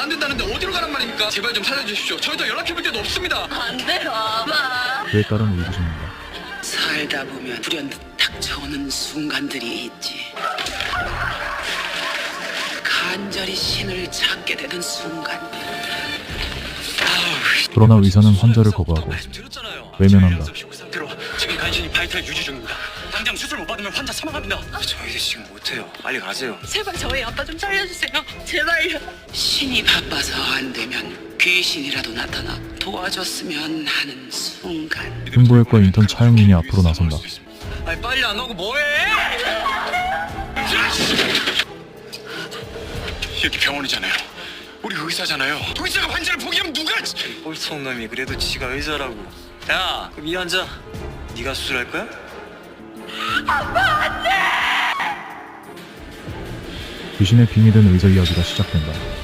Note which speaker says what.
Speaker 1: 안 된다는데 어디로 가란 말입니까? 제발 좀 살려주십시오. 저희도 연락해볼 데도 없습니다.
Speaker 2: 안 돼, 와봐.
Speaker 3: 그에 따른 의구심입니다.
Speaker 4: 살다 보면 불현듯 닥쳐오는 순간들이 있지. 간절히 신을 찾게 되는 순간.
Speaker 3: 그러나 의사는 환자를 거부하고 외면한다.
Speaker 1: 상태로 지금 간신히 바이탈 유지 중입니다. 당장 수술 못 받으면 환자 사망합니다. 저희 지금 못해요. 빨리 가세요.
Speaker 2: 제발 저희 아빠 좀 살려주세요. 제발요.
Speaker 4: 신이 바빠서 안 되면 귀신이라도 나타나 도와줬으면 하는 순간.
Speaker 3: 흉부외과 인턴 차영민이 앞으로 나선다.
Speaker 1: 아니 빨리 안 오고 뭐해? 여기 병원이잖아요. 우리 의사잖아요. 의사가 환자를 포기하면 누가? 꼴통 놈이 그래도 지가 의사라고. 야, 그럼 이 환자 네가 수술할 거야?
Speaker 3: 귀신의 빙이 든 의사 이야기가 시작된다.